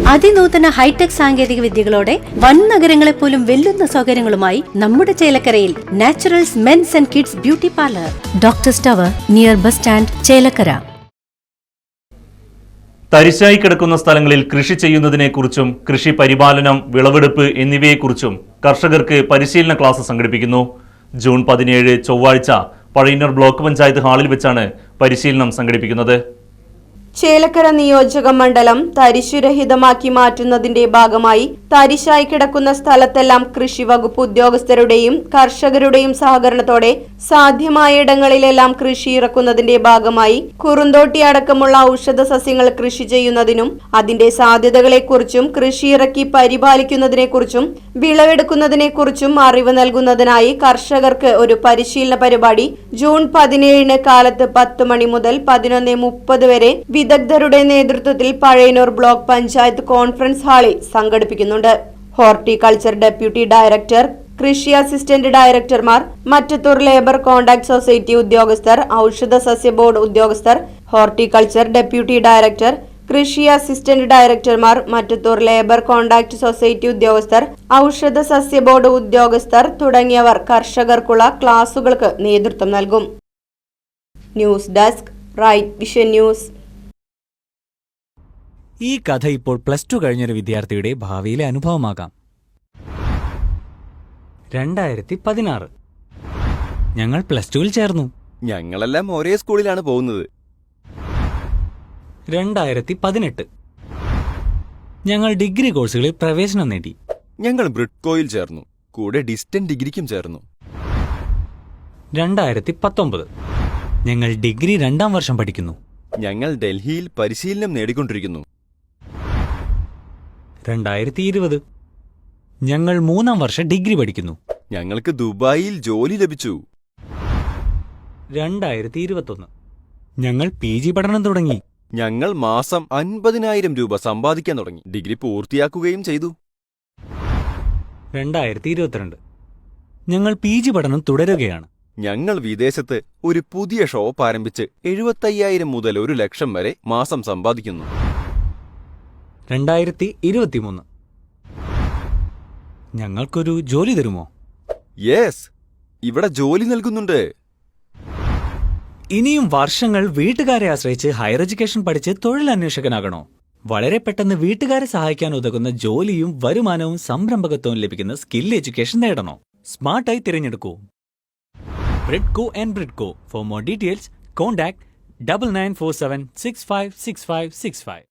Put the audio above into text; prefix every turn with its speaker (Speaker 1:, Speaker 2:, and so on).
Speaker 1: അതിനൂതന hi tech സാങ്കേതിക വിദ്യകളോടെ വൻ നഗരങ്ങളെ പോലും വെല്ലുന്ന സൗകര്യങ്ങളുമായി നമ്മുടെ ചേലക്കരയിൽ Naturals men's and kids beauty parlour, doctors tower, near bus stand, Chelakkara.
Speaker 2: തരിശായി കിടക്കുന്ന സ്ഥലങ്ങളിൽ കൃഷി ചെയ്യുന്നതിനെക്കുറിച്ചും കൃഷി പരിപാലനം, വിളവെടുപ്പ് എന്നിവയെക്കുറിച്ചും കർഷകർക്ക് പരിശീലന ക്ലാസ് സംഘടിപ്പിക്കുന്നു. ജൂൺ 17 ചൊവ്വാഴ്ച പഴയന്നൂർ ബ്ലോക്ക് പഞ്ചായത്ത് ഹാളിൽ വെച്ചാണ് പരിശീലനം സംഘടിപ്പിക്കുന്നത്.
Speaker 3: ചേലക്കര നിയോജക മണ്ഡലം തരിശുരഹിതമാക്കി മാറ്റുന്നതിന്റെ ഭാഗമായി തരിശായി കിടക്കുന്ന സ്ഥലത്തെല്ലാം കൃഷി വകുപ്പ് ഉദ്യോഗസ്ഥരുടെയും കർഷകരുടെയും സഹകരണത്തോടെ സാധ്യമായ ഇടങ്ങളിലെല്ലാം കൃഷി ഇറക്കുന്നതിന്റെ ഭാഗമായി കുറുന്തോട്ടി അടക്കമുള്ള ഔഷധ സസ്യങ്ങൾ കൃഷി ചെയ്യുന്നതിനും അതിന്റെ സാധ്യതകളെക്കുറിച്ചും കൃഷി ഇറക്കി പരിപാലിക്കുന്നതിനെക്കുറിച്ചും വിളവെടുക്കുന്നതിനെക്കുറിച്ചും അറിവ് നൽകുന്നതിനായി കർഷകർക്ക് ഒരു പരിശീലന പരിപാടി ജൂൺ 17 കാലത്ത് 10 മണി മുതൽ 11:30 വരെ വിദഗ്ധരുടെ നേതൃത്വത്തിൽ പഴയന്നൂർ ബ്ലോക്ക് പഞ്ചായത്ത് കോൺഫറൻസ് ഹാളിൽ സംഘടിപ്പിക്കുന്നുണ്ട്. ഹോർട്ടിക്കൾച്ചർ ഡെപ്യൂട്ടി ഡയറക്ടർ, കൃഷി അസിസ്റ്റന്റ് ഡയറക്ടർമാർ, മറ്റത്തൂർ ലേബർ കോൺട്രാക്ട് സൊസൈറ്റി ഉദ്യോഗസ്ഥർ, ഔഷധ സസ്യ ബോർഡ് ഉദ്യോഗസ്ഥർ, ഹോർട്ടിക്കൾച്ചർ ഡെപ്യൂട്ടി ഡയറക്ടർ, കൃഷി അസിസ്റ്റന്റ് ഡയറക്ടർമാർ, മറ്റത്തൂർ ലേബർ കോൺട്രാക്ട് സൊസൈറ്റി ഉദ്യോഗസ്ഥർ, ഔഷധ സസ്യ ബോർഡ് ഉദ്യോഗസ്ഥർ തുടങ്ങിയവർ കർഷകർക്കുള്ള ക്ലാസുകൾക്ക് നേതൃത്വം നൽകും. News desk, Right Vision News.
Speaker 4: ഈ കഥ ഇപ്പോൾ +2 കഴിഞ്ഞൊരു വിദ്യാർത്ഥിയുടെ ഭാവിയിലെ അനുഭവമാകാം. 2016 ഞങ്ങൾ +2-ൽ ചേർന്നു.
Speaker 5: ഞങ്ങളെല്ലാം ഒരേ സ്കൂളിലാണ് പോകുന്നത്.
Speaker 4: 2018 ഞങ്ങൾ ഡിഗ്രി കോഴ്സുകളിൽ പ്രവേശനം നേടി.
Speaker 5: ഞങ്ങൾ ബ്രിഡ്കോയിൽ ചേർന്നു, കൂടെ ഡിസ്റ്റന്റ് ഡിഗ്രിക്കും ചേർന്നു.
Speaker 4: 2019 ഞങ്ങൾ ഡിഗ്രി 2ാം വർഷം പഠിക്കുന്നു.
Speaker 5: ഞങ്ങൾ ഡൽഹിയിൽ പരിശീലനം നേടിക്കൊണ്ടിരിക്കുന്നു.
Speaker 4: 2020 ഞങ്ങൾ 3ാം വർഷം ഡിഗ്രി പഠിക്കുന്നു.
Speaker 5: ഞങ്ങൾക്ക് ദുബായിൽ ജോലി ലഭിച്ചു.
Speaker 4: 2021 ഞങ്ങൾ PG പഠനം തുടങ്ങി.
Speaker 5: ഞങ്ങൾ മാസം 50,000 രൂപ സമ്പാദിക്കാൻ തുടങ്ങി. ഡിഗ്രി പൂർത്തിയാക്കുകയും ചെയ്തു.
Speaker 4: 2022 ഞങ്ങൾ PG പഠനം തുടരുകയാണ്.
Speaker 5: ഞങ്ങൾ വിദേശത്ത് ഒരു പുതിയ ഷോപ്പ് ആരംഭിച്ച് 75,000 മുതൽ 1 ലക്ഷം വരെ മാസം സമ്പാദിക്കുന്നു.
Speaker 4: 2023 ഞങ്ങൾക്കൊരു ജോലി തരുമോ?
Speaker 5: യെസ്, ഇവിടെ ജോലി നൽകുന്നുണ്ട്.
Speaker 4: ഇനിയും വർഷങ്ങൾ വീട്ടുകാരെ ആശ്രയിച്ച് ഹയർ എഡ്യൂക്കേഷൻ പഠിച്ച് തൊഴിലന്വേഷകനാകണോ? വളരെ പെട്ടെന്ന് വീട്ടുകാരെ സഹായിക്കാൻ ഉതകുന്ന ജോലിയും വരുമാനവും സംരംഭകത്വവും ലഭിക്കുന്ന സ്കിൽ എഡ്യൂക്കേഷൻ നേടണോ? സ്മാർട്ടായി തിരഞ്ഞെടുക്കൂ Bridco and Bridco. For more details contact 9947656565.